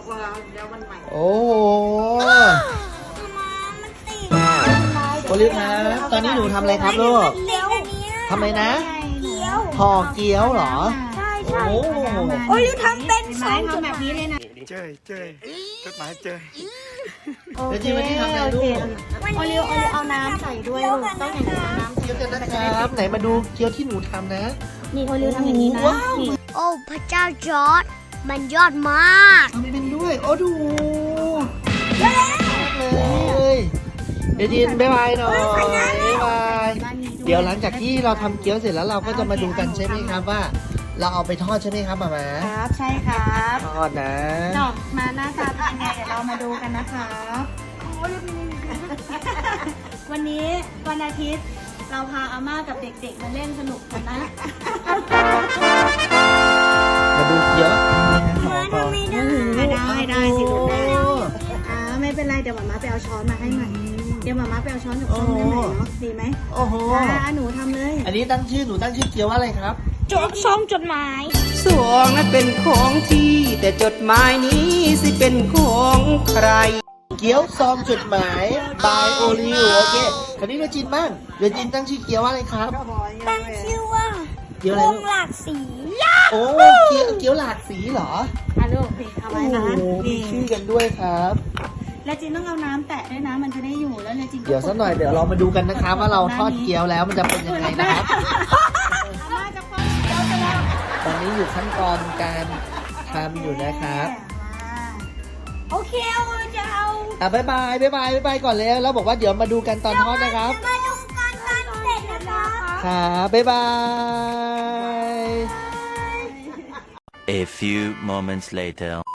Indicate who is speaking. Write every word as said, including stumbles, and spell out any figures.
Speaker 1: บอกว่าเดี๋ยววันใหม่
Speaker 2: โอ้โหโอลิฟครับตอนนี้หนูทำอะไรครับลูกทำอะไรนะห่อเกี๊ยวเหรอ
Speaker 3: ใช่
Speaker 2: ใช่โอ้โห
Speaker 3: โอ้ยทำเป็นไม้ทำแบบนี้เลยนะ
Speaker 4: เจยเจยจดหมายเจย
Speaker 3: โอ
Speaker 2: เดี๋ยว
Speaker 3: เค
Speaker 2: จีวันนี้ทำอะไร
Speaker 3: โอ
Speaker 2: ลู
Speaker 3: เค
Speaker 2: ก
Speaker 3: โอลิวโอลิวเอาน้ำใส่ด้วยลูกต้องอย่างนี้น้ำ
Speaker 2: เกี๊ยวกันนะครับไหนมาดูเกี๊ยวที่หนูทำนะ
Speaker 3: นี่โอลิวทำอย่างนี้นะนี่
Speaker 5: โอ้พระเจ้าจอร์ดมันยอดมาก
Speaker 2: ทำเป็นด้วยโอ้ดูเลยเดี๋ยวจีนบ๊ายบายหน่อยบ๊ายบายเดี๋ยวหลังจากที่เราทำเกี๊ยวเสร็จแล้วเราก็จะมาดูกันใช่ไหมครับว่า เราเอาไปทอดใช่ไหมครับหมาหมา
Speaker 3: ครับใช่ครับ
Speaker 2: ทอดนะ
Speaker 3: ดอกมาหน้าตาเป็นยังไงเดี๋ยวเรามาดูกันนะครับวันนี้วันอาทิตย์เราพาอาม่ากับเด็กๆมาเล่นสนุกกันนะ
Speaker 2: มาดูเกี๊ยวนี่นะขอต่อ
Speaker 3: ได้ได้สิลูกได้อ่าไม่เป็นไรเดี๋ยวหมาม้าไปเอาช้อนมาให้ใหม่เดี๋ยวหมาม้าไปเอาช้อนกับส้มให้ใหม่เนาะดีไหม
Speaker 2: โอ้โห
Speaker 3: อ่าหนูทำเลย
Speaker 2: อันนี้ตั้งชื่อหนูตั้งชื่อเกี๊ยวว่าอะไรครับ
Speaker 3: จดซองจดหมาย
Speaker 1: สวงนั้นเป็นของที่ แต่จดหมายนี้สิเป็นของใคร
Speaker 2: เกี๊ยวซองจดหมายบายโอริวโอเคคราวนี้เราจินบ้างเดี๋ยวจินตั้งชื่อเกี๊ยวว่าอะไรครับ
Speaker 5: ตั้งชื่อว่า
Speaker 2: เกี๊ยวอะไร
Speaker 5: ว
Speaker 2: ลู
Speaker 5: ง
Speaker 2: ก
Speaker 5: หลากสี
Speaker 2: โอ้เกี๊ยวเกี๊ยวหลากสีเหรอ
Speaker 3: อ่ะลูกนี่เอาไว้นะ
Speaker 2: โอ้มี
Speaker 3: นี่
Speaker 2: ชื่อกันด้วยครับ
Speaker 3: แล้วจินต้องเอาน้ำแตะด้วยนะมันจะได้อยู่แล้วเลยจินก็
Speaker 2: เดี๋ยวสักหน่อยเดี๋ยวเรามาดูกันนะครับว่าเราทอดเกี๊ยวแล้วมันจะเป็นยังไงนะครับ
Speaker 3: อาม่าจะคว้าเกี๊ยวไปแล้ว
Speaker 2: ตอนนี้อยู่ขั้นตอนการทำอยู่นะครับ
Speaker 3: โอเคเอาจะเอา
Speaker 2: อ่ะบ๊ายบายบ๊ายบายบ๊ายบายก่อนเลยแล้วบอกว่าเดี๋ยวมาดูกันตอนทอดนะครับ
Speaker 5: มาดูกันตอนเสร็จนะคะ
Speaker 2: ครับบ๊ายบาย
Speaker 6: A few moments later